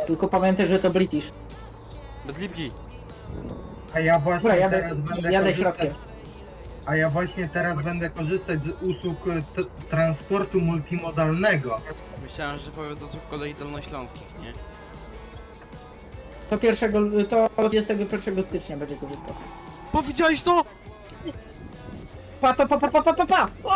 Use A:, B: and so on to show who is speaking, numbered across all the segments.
A: Tylko pamiętaj, że to British.
B: Bez lipki.
C: A ja właśnie
A: Dobra,
C: teraz będę
A: jadę
C: korzystać.
A: środkiem.
C: A ja właśnie teraz będę korzystać z usług transportu multimodalnego.
B: Myślałem, że powiedz osób kolei dolnośląskich, nie?
A: To 21 stycznia będzie korzystał.
B: Powiedziałeś to?!
A: Pa! O!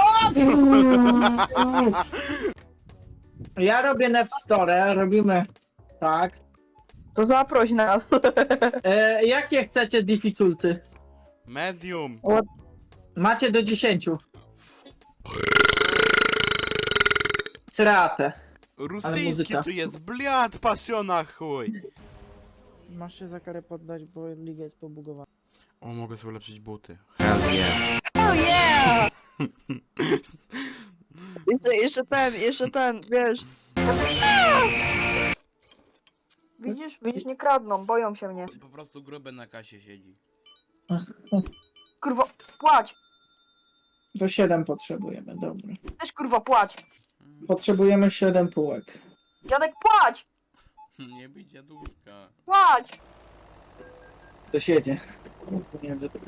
A: Ja robię Nepstore, robimy tak.
D: To zaproś nas.
A: Jakie chcecie difficulty?
B: Medium!
A: Macie do 10. Cereatę.
B: Rosyjski
A: muzyka.
B: tu jest, bliad, pasiona chuj!
E: Masz się za karę poddać, bo liga jest pobugowana.
B: O, mogę sobie ulepszyć buty. Hell yeah!
D: Oh yeah! jeszcze ten, wiesz. Widzisz, nie kradną, boją się mnie.
B: Po prostu gruby na kasie siedzi.
D: Kurwa, płać!
A: Do 7 potrzebujemy, dobra.
D: Też kurwa płać!
A: Potrzebujemy 7 półek.
D: Dziadek płać!
B: Nie bij dziadówka.
D: Płać!
A: To siedzie. Nie wiem, że to...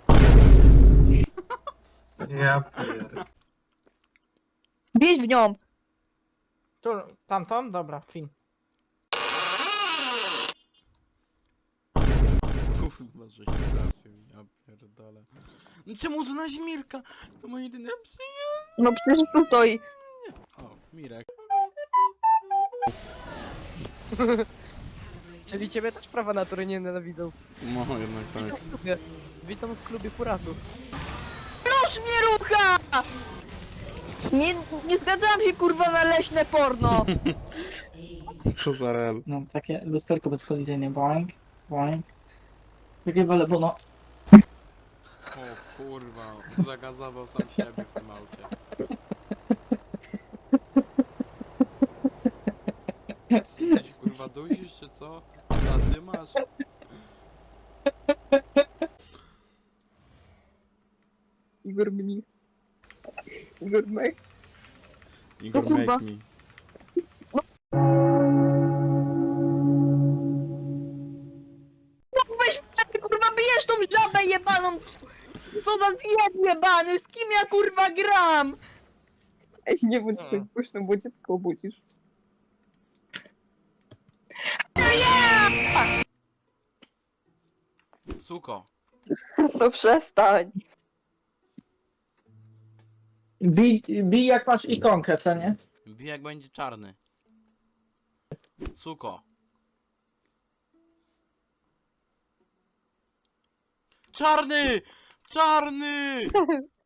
C: Ja pierdolę.
D: Wieź w nią!
E: Tu, tamtą? Dobra, fin.
B: Kurwa, żeś trafił, ja pierdolę. No czemu za Mirka? To moje jedyne psy.
D: No przecież tu stoi.
B: O, Mirek.
F: Czyli ciebie też prawa natury nie nienawidzą.
B: No, jednak tak.
F: Witam w klubie furasów.
D: Nóż mnie rucha! Nie zgadzałam się kurwa na leśne porno!
B: Co za rel.
A: No, takie lusterko bezkolizyjne. Boing, boing. Takie wale, bo no...
B: O kurwa, zagazował sam siebie w tym aucie. Co, ty się kurwa dusisz, czy co? A ty masz?
D: Igor mnich. Igor mech.
B: Igor,
D: kurwa.
B: make me.
D: Weź mnie, kurwa bijesz tą żabę jebaną! Co za zjeb jebany, z kim ja kurwa gram? Ej, nie bądź tak głośno, bo dziecko obudzisz.
B: Suko.
D: No przestań.
A: Bij jak masz ikonkę, co nie?
B: Bij jak będzie czarny. Suko. Czarny! Czarny!